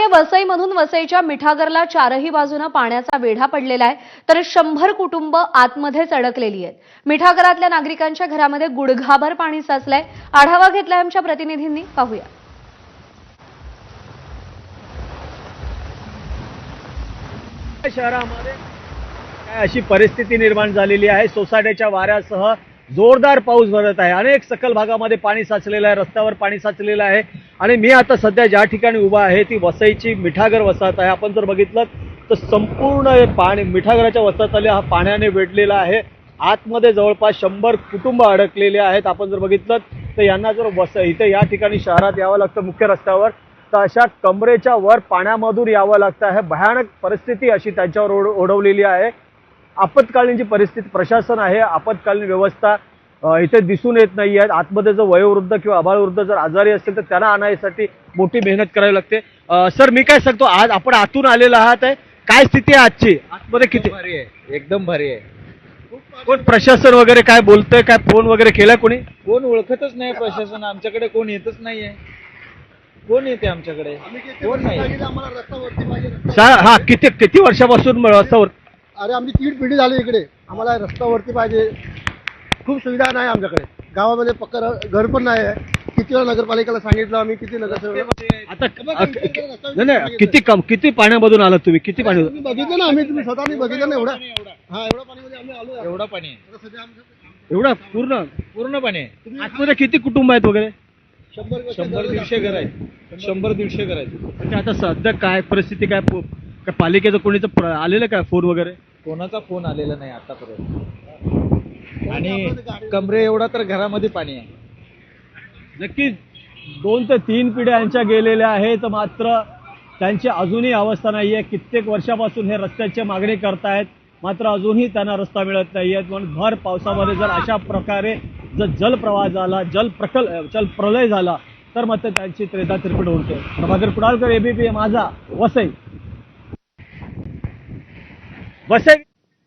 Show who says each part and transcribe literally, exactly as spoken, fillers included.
Speaker 1: वसईमधून वसईच्या मिठागरला चारही बाजूने पाण्याचा वेढा पडलेला आहे, तर शंभर कुटुंब आतमध्येच अडकलेली आहेत। मिठागरातल्या नागरिकांच्या घरामध्ये गुडघाभर पाणी साचलंय। आढावा घेतलाय आमच्या प्रतिनिधींनी, पाहूया।
Speaker 2: शहरामध्ये काय अशी परिस्थिती निर्माण झालेली आहे। सोसाट्याच्या वाऱ्यासह जोरदार पाऊस भरत आहे। अनेक सखल भागामध्ये पाणी साचलेलं आहे, रस्त्यावर पाणी साचलेलं आहे। आणि मी आता सध्या ज्या ठिकाणी उभा आहे ती वसईची मिठागर वसाहत आहे। आपण जर बघितलं तर संपूर्ण पाणी मिठागराच्या वसाहतीला हा पाण्याने वेढलेला आहे। आतमध्ये जवळपास शंभर कुटुंब अडकलेले आहेत। आपण जर बघितलं तर यांना जर वस इथे या ठिकाणी शहरात यावं लागतं मुख्य रस्त्यावर, तर अशा कमरेच्या वर पाण्यामधून यावं लागतं आहे। भयानक परिस्थिती अशी त्यांच्यावर ओढ ओढवलेली आहे। आपत्कालीन जी परिस्थिती प्रशासन आहे, आपत्कालीन व्यवस्था इथे दिसून येत नाही आहे। आतमध्ये जर वयोवृद्ध किंवा अबालवृद्ध जर आजारी असतील तर त्यांना आणण्यासाठी मोठी मेहनत करावी लागते। सर, मी काय सांगतो, आज आपण आतून आलेला आहात, आहे काय स्थिती आहे आजची? आतमध्ये किती
Speaker 3: भारी आहे, एकदम भारी आहे।
Speaker 2: कोण प्रशासन वगैरे काय बोलतंय, काय फोन वगैरे केला कोणी?
Speaker 3: कोण ओळखतच नाही प्रशासन, आमच्याकडे कोण येतच नाहीये। कोण येते आमच्याकडे? कोण नाही।
Speaker 2: हा, किती किती वर्षापासून रस्त्यावर?
Speaker 4: अरे आमची तीन पिढी झाली इकडे, आम्हाला रस्त्यावरती पाहिजे। खूप सुविधा नाही आमच्याकडे, गावामध्ये पक्का घर पण नाही आहे। किती वेळा नगरपालिकेला सांगितलं आम्ही, किती नगरसेवक
Speaker 2: आता नाही नाही, किती कम किती पाण्यामधून आलात तुम्ही? किती पाणी
Speaker 4: तुम्ही बघितलं ना, आम्ही तुम्ही स्वतःनी बघितलं ना एवढा। हा, एवढा पाणीमध्ये आम्ही आलो।
Speaker 3: एवढा पाणी आहे,
Speaker 4: आता सध्या आमचं
Speaker 2: एवढा पूर्ण
Speaker 3: पूर्ण पाणी आहे।
Speaker 2: आतमध्ये किती कुटुंब आहेत वगैरे?
Speaker 4: शंभर
Speaker 3: शंभर दीडशे घर आहेत, शंभर दीडशे घर आहेत।
Speaker 2: म्हणजे आता सध्या काय परिस्थिती, काय पो- काय पालिकेचं कोणीचं प्र- आलेलं काय फोन वगैरे?
Speaker 3: कोणाचा फोन आलेला नाही आतापर्यंत। आणि कमरे एवढा तर घरामध्ये पाणी आहे।
Speaker 2: नक्कीच दोन ते तीन पिढ्या यांच्या गेलेल्या आहेत, मात्र त्यांची अजूनही अवस्था नाही आहे। कित्येक वर्षापासून हे रस्त्याची मागणी करतायत, मात्र अजूनही त्यांना रस्ता मिळत नाही आहे। म्हणून भर पावसामध्ये जर अशा प्रकारे जर जलप्रवाह झाला, जल प्रकल जल प्रलय झाला तर मात्र त्यांची त्रेधा तिरपीट होते। प्रभाकर कुडाळकर, एबीपी माझा, वसई। वसई